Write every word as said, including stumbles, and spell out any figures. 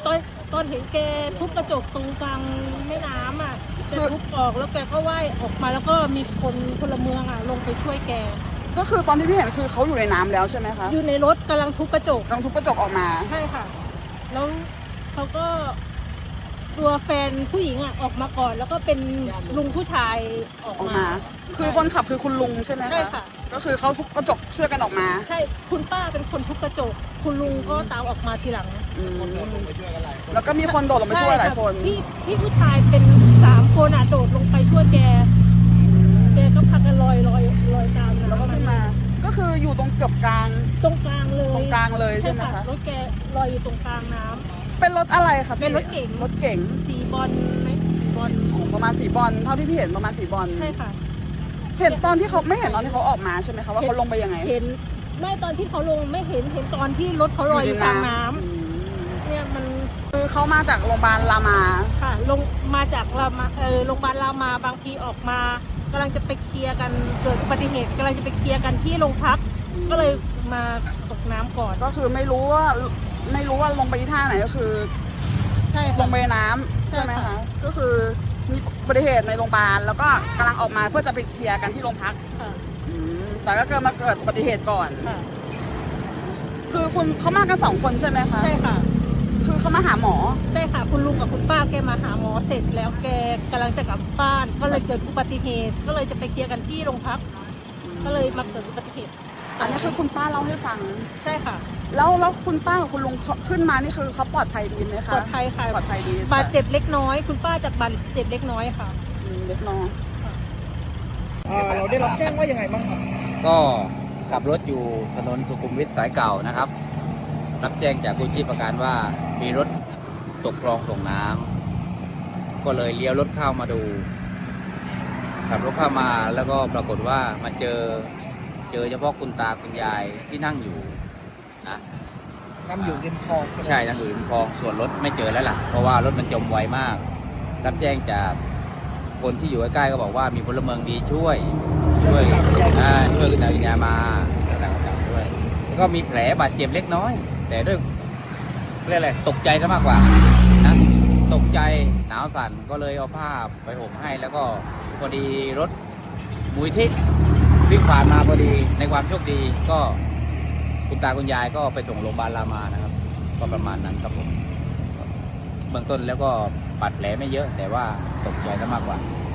ตอนตอนเห็นแกทุบกระจกตรงกลางแม่น้ำอ่ะแกทุบออกแล้วแกก็ว่ายออกมาแล้วก็มีคนพลเมืองอ่ะลงไปช่วยแกก็คือตอนที่พี่เห็นคือเขาอยู่ในน้ำแล้วใช่ไหมคะอยู่ในรถกำลังทุบกระจกกำลังทุบกระจกออกมาใช่ค่ะแล้วเขาก็ตัวแฟนผู้หญิงอ่ะออกมาก่อนแล้วก็เป็นลุงผู้ชายออกมาคือคนขับคือคุณลุงใช่ไหมคะใช่ค่ะก็คือเขาทุบกระจกช่วยกันออกมาใช่คุณป้าเป็นคนทุบกระจกคุณลุงก็ตามออกมาทีหลังแล้วก็มีคนโดดลงไปช่วยหลายคนพี่พี่ผู้ชายเป็นสามคนอ่ะโดดลงไปช่วยแกแกก็พักกันลอยลอยลอยตามแล้วก็ขึ้นมาก็คืออยู่ตรงเกือบกลางตรงกลางเลยตรงกลางเลยใช่ไหมคะรถแกลอยอยู่ตรงกลางน้ำเป็นรถอะไรคะเป็นรถเก๋งรถเก๋งสีบอลไหมสีบอลประมาณสีบอลเท่าที่พี่เห็นประมาณสีบอลใช่ค่ะเห็นตอนที่เขาไม่เห็นตอนที่เขาออกมาใช่ไหมคะว่าเขาลงไปยังไงเห็นไม่ตอนที่เขาลงไม่เห็นเห็นตอนที่รถเขาลอยอยู่กลางน้ำเนี่ยมันคือเขามาจากโรงพยาบาลรามาค่ะลงมาจากรามาเออโรงพยาบาลรามาบางทีออกมากำลังจะไปเคลียร์กันเกิดอุบัติเหตุกำลังจะไปเคลียร์กันที่โรงพักก็เลยมาตกน้ำก่อนก็คือไม่รู้ว่าไม่รู้ว่าลงไปที่ท่าไหนก็คือใช่ลงไปน้ำใช่ไหมคะก็คือมีอุบัติเหตุในโรงพยาบาลแล้วก็กำลังออกมาเพื่อจะไปเคลียร์กันที่โรงพักแต่ก็เกิดมาเกิดอุบัติเหตุก่อนคือคุณเขามากันสองคนใช่ไหมคะใช่ค่ะคือเขามาหาหมอใช่ค่ะคุณลุงกับคุณป้าแกมาหาหมอเสร็จแล้วแกกำลังจะกลับบ้านก็เลยเกิดอุบัติเหตุก็เลยจะไปเคลียร์กันที่โรงพักก็เลยมาเกิดอุบัติเหตุอันนี้คือคุณป้าเล่าให้ฟังใช่ค่ะแล้วแล้วคุณป้ากับคุณลุงขึ้นมานี่คือเขาปลอดภัยดีไหมคะปลอดภัยค่ะปลอดภัยดีบาดเจ็บเล็กน้อยคุณป้าจากบาดเจ็บเล็กน้อยค่ะเล็กน้อยเราได้รับแจ้งว่ายังไงบ้างครับก็ขับรถอยู่ถนนสุขุมวิทสายเก่านะครับรับแจ้งจากกู้ชีพประการว่ามีรถตกคลองส่งน้ำก็เลยเลี้ยวรถเข้ามาดูขับรถเข้ามาแล้วก็ปรากฏว่ามาเจอเจอเฉพาะคุณตาคุณยายที่นั่งอยู่นะนั่งอยู่ริมคลองใช่นั่งอยู่ริมคลองส่วนรถไม่เจอแล้วล่ะเพราะว่ารถมันจมไวมากรับแจ้งจากคนที่อยู่ใกล้ๆก็บอกว่ามีพลเมืองดีช่วยช่วยช่วยคุณตาคุณยายมาต่างๆด้วยแล้วก็มีแผลบาดเจ็บเล็กน้อยแต่ด้วยเรียกอะไรตกใจซะมากกว่านะตกใจหนาวสั่นก็เลยเอาผ้าไปห่มให้แล้วก็พอดีรถมูลที่วิ่งผ่านมาพอดีในความโชคดีก็คุณตาคุณยายก็ไปส่งโรงพยาบาลรามานะครับก็ประมาณนั้นครับผมเบื้องต้นแล้วก็บาดแผลไม่เยอะแต่ว่าตกใจซะมากกว่า